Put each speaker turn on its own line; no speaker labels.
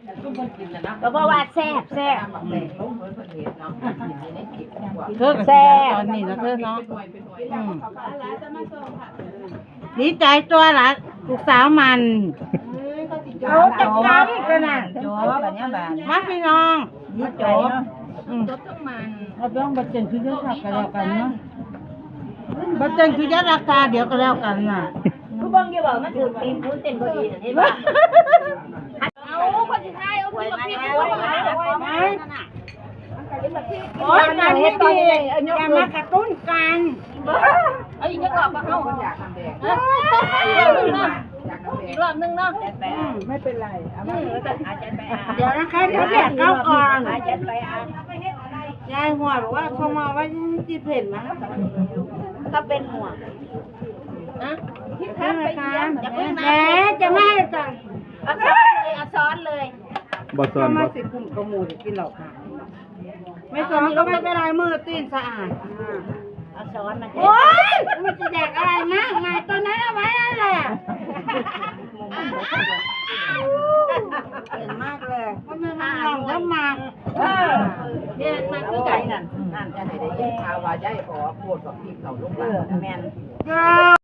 ก็บอกว่าแซ่บแซ่บ
เธอแซ่บตอนนี้นะเธอเนาะดีใจตัวละลูกสาวมันเขาจะกันกันน่ะจบแบบนี้แบบมาพี่น้องนี่จบจบต้องมันเราต้องบัดเจนคือเรื่องขับกันแล้วกันเนาะบัดเจนคือยัดราคาเดี๋ยวก็แล้วกันน่ะ
ผู้บังอย่าบอกมันถือตีนพูนเต้นพอดีเห็นป่ะเอาคนสุดท้ายเอาพี่กับพี่กูโอ้ยงานนี้ดีอย่ามากระตุ้นกันเอาอีกจะกรอบมาเข้าอีกรอบนึงเนาะ
ไม่เป็นไร
เดี๋ยวนะคะเดี๋ยวแยกเข้าก่อนยายหัวหรือว่าเขามาว่าจีเพ่นนะก็เป็นหัวนะที่ทับไปยังแหมจะไม่ให้จังเอาซ้อนเลย
บ่ซ้อนบ่
สิคุมกระมูจะกินเหล่าค่ะไม่ซ้อนก็ไม่เป็นไรมือตีนสะอาด
เอาซ้อนมัน
โอ๊ยมันจะแดกอะไรมากไงตอนนั้นเอาไว้นั่นแหละเห็นมากเลยมันไม่มาลองแล้วมา
เนี่ยมันคือไก่นั่น
นั่นจะได้ยินข่าวว่าย้ายขอปวดกับพี่เขาลูกหลานแม่น